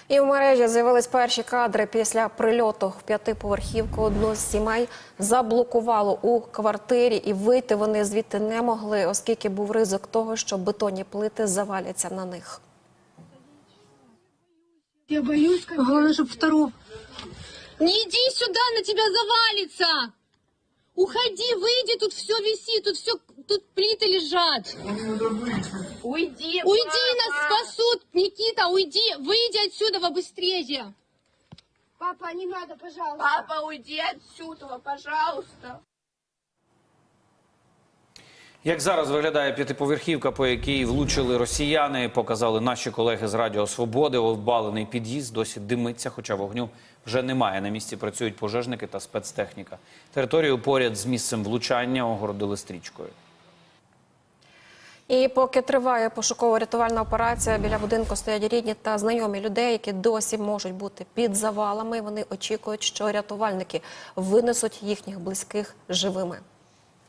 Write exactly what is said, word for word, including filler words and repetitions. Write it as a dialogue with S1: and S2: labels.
S1: І в мережі з'явились перші кадри після прильоту в п'ятиповерхівку. Одну з сімей заблокувало у квартирі, і вийти вони звідти не могли, оскільки був ризик того, що бетонні плити заваляться на них.
S2: Я боюсь, как... Главное, чтобы второго...
S3: Не иди сюда, на тебя завалится! Уходи, выйди, тут все висит, тут все, тут плиты лежат.
S2: Уйди,
S3: Уйди, нас спасут, Никита, уйди, выйди отсюда быстрее.
S2: Папа, не надо, пожалуйста.
S4: Папа, уйди отсюда, пожалуйста.
S5: Як зараз виглядає п'ятиповерхівка, по якій влучили росіяни, показали наші колеги з Радіо Свободи. Обвалений під'їзд досі димиться, хоча вогню вже немає. На місці працюють пожежники та спецтехніка. Територію поряд з місцем влучання огородили стрічкою.
S1: І поки триває пошуково-рятувальна операція, біля будинку стоять рідні та знайомі людей, які досі можуть бути під завалами. Вони очікують, що рятувальники винесуть їхніх близьких живими.